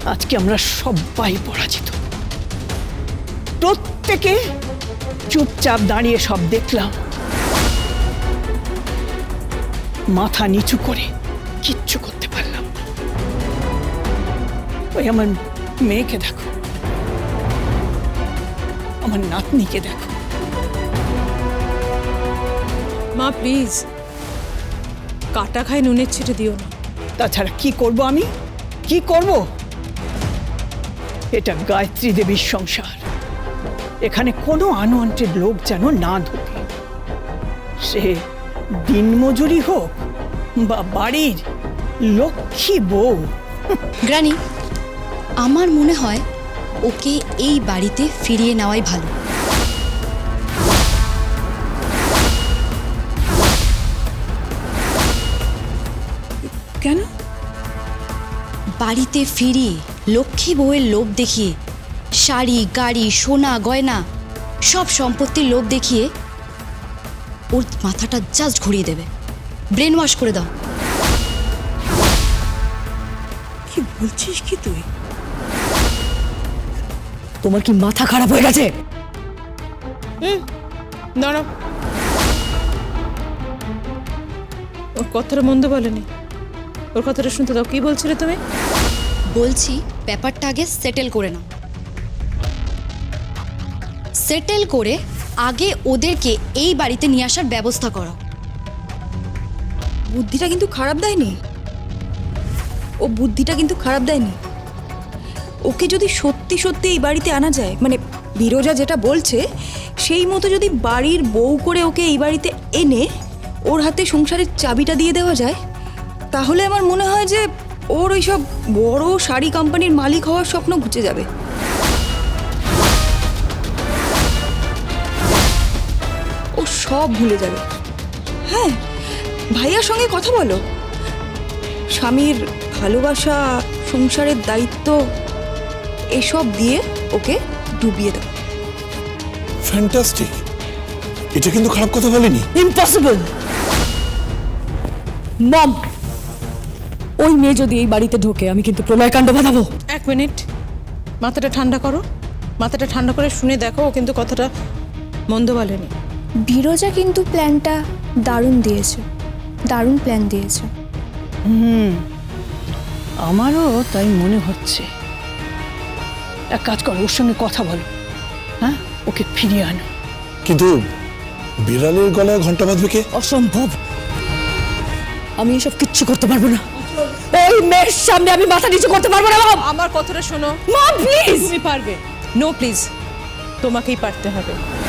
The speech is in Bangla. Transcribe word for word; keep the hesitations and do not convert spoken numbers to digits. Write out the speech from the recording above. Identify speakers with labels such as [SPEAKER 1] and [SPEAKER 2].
[SPEAKER 1] আজকে আমরা সবাই পরাজিত। প্রত্যেকে চুপচাপ দাঁড়িয়ে সব দেখলাম, মাথা নিচু করে কিচ্ছু করতে পারলাম না। ওই আমার মেয়েকে দেখো, আমার নাতনিকে দেখো।
[SPEAKER 2] মা প্লিজ, কাটা খায় নুনের ছিটে দিও না।
[SPEAKER 1] তাছাড়া কি করব আমি, কি করব? এটা গায়ত্রী দেবীর সংসার, এখানে কোনো আনওয়ান্টেড লোক যেন না ঢোকে, সে দিনমজুরি হোক বা বাড়ির লক্ষ্মী বউ।
[SPEAKER 3] গ্রানি, আমার মনে হয় ওকে এই বাড়িতে ফিরিয়ে নেওয়াই ভালো।
[SPEAKER 2] কেন?
[SPEAKER 3] বাড়িতে ফিরিয়ে লক্ষ্মী বউয়ের লোভ দেখিয়ে, শাড়ি, গাড়ি, সোনা, গয়না সব সম্পত্তির লোভ দেখিয়ে ওর মাথাটা জাস্ট ঘুরিয়ে দেবে, ব্রেন ওয়াশ করে দাও।
[SPEAKER 2] কি বলছিস কি তুই?
[SPEAKER 4] তোমার কি মাথা খারাপ হয়ে গেছে?
[SPEAKER 2] হুম, দাঁড়াও। ওর কথাটা মন্দ বলেনি, ওর কথাটা শুনতে দাও। কি বলছিলে তুমি?
[SPEAKER 3] বলছি ব্যাপারটা আগে সেটেল করে নাও। সেটেল করে আগে ওদেরকে এই বাড়িতে নিয়ে আসার ব্যবস্থা করো।
[SPEAKER 5] বুদ্ধিটা কিন্তু খারাপ দেয়নি, ও বুদ্ধিটা কিন্তু খারাপ দেয়নি। ওকে যদি সত্যি সত্যি এই বাড়িতে আনা যায়, মানে বিরোজা যেটা বলছে সেই মতো যদি বাড়ির বউ করে ওকে এই বাড়িতে এনে ওর হাতে সংসারের চাবিটা দিয়ে দেওয়া যায়, তাহলে আমার মনে হয় যে ওর ওই সব বড় শাড়ি কোম্পানির মালিক হওয়ার স্বপ্ন ঘুচে যাবে। ও সব ভুলে যাবে। হ্যাঁ, ভাইয়ার সঙ্গে কথা বলো, স্বামীর ভালোবাসা, সংসারের দায়িত্ব এসব দিয়ে ওকে ডুবিয়ে দাও।
[SPEAKER 6] ফ্যান্টাস্টিক, এটা কিন্তু খারাপ কথা বলেনি।
[SPEAKER 4] ইম্পসিবল। মম, ওই মেয়ে যদি এই বাড়িতে ঢোকে আমি কিন্তু প্রলয়কাণ্ড বাঁধাবো।
[SPEAKER 2] এক মিনিট, মাথাটা ঠান্ডা করো। মাথাটা ঠান্ডা করে শুনে দেখো, ও কিন্তু কথাটা মন্দ বলেনি।
[SPEAKER 7] বিরজা কিন্তু প্ল্যানটা দারুণ দিয়েছে, দারুণ প্ল্যান দিয়েছে।
[SPEAKER 1] হুম, আমারও তাই মনে হচ্ছে। এক কাজ করো, ওর সঙ্গে কথা বলো, হ্যাঁ, ওকে ফিরিয়ে আনো।
[SPEAKER 6] কিন্তু বিড়ালের গলায় ঘন্টা বাঁধবে কে?
[SPEAKER 4] অসম্ভব, আমি এসব কিচ্ছু করতে পারবো না। ওই মেয়ের সামনে আমি মাথা নিচু করতে পারবো না। মম,
[SPEAKER 2] আমার কথাটা শোনো।
[SPEAKER 4] Mom please.
[SPEAKER 2] তুমি পারবে। নো প্লিজ, তোমাকেই পারতে হবে।